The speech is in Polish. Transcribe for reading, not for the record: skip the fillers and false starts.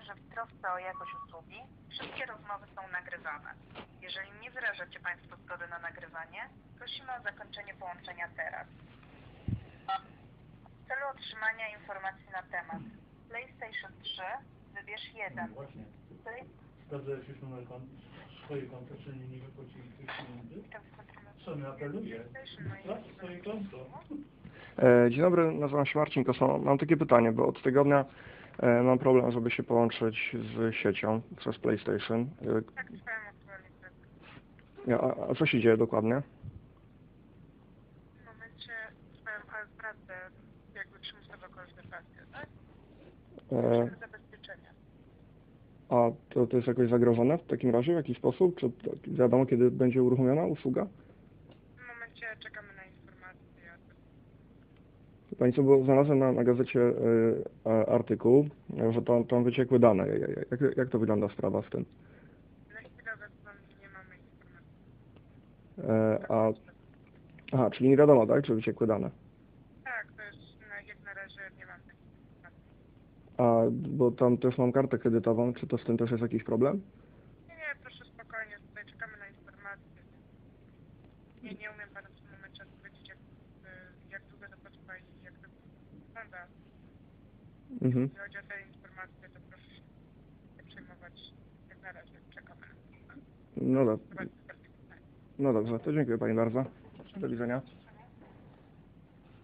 że w trosce o jakość usługi wszystkie rozmowy są nagrywane. Jeżeli nie wyrażacie Państwo zgody na nagrywanie, prosimy o zakończenie połączenia teraz. W celu otrzymania informacji na temat PlayStation 3 wybierz 1. No właśnie. Sprawdzałeś już numer swojej konta, czy nie wypłacili tych pieniędzy? Co mi apeluje? Sprawdź swoje konto. Dzień dobry, nazywam się Marcin Kosono. Mam takie pytanie, bo od tygodnia mam problem, żeby się połączyć z siecią przez PlayStation. Tak, trwają aktualnie prace. A co się dzieje dokładnie? W momencie trwają prace, jakby przymusowa konserwacja, tak? Zabezpieczenia. A to jest jakoś zagrożone w takim razie w jakiś sposób? Czy wiadomo, kiedy będzie uruchomiona usługa? W momencie czekamy na informacje. Pani co, bo znalazłem na gazecie artykuł, że tam wyciekły dane. Jak to wygląda sprawa z tym? Na chwilę obecną nie mamy informacji. Aha, czyli nie wiadomo, tak, czy wyciekły dane? Tak, to jest jak na razie nie mam takich informacji. Bo tam też mam kartę kredytową, czy to z tym też jest jakiś problem? Nie, proszę spokojnie, tutaj czekamy na informacje. Nie umiem Panu w tym momencie odpowiedzieć, jak długo to potrwa i jak to wygląda. Mhm. Jeśli chodzi o te informacje, to proszę się nie przejmować. Jak na razie czekamy na informacje. No dobrze, to dziękuję Pani bardzo. Do widzenia.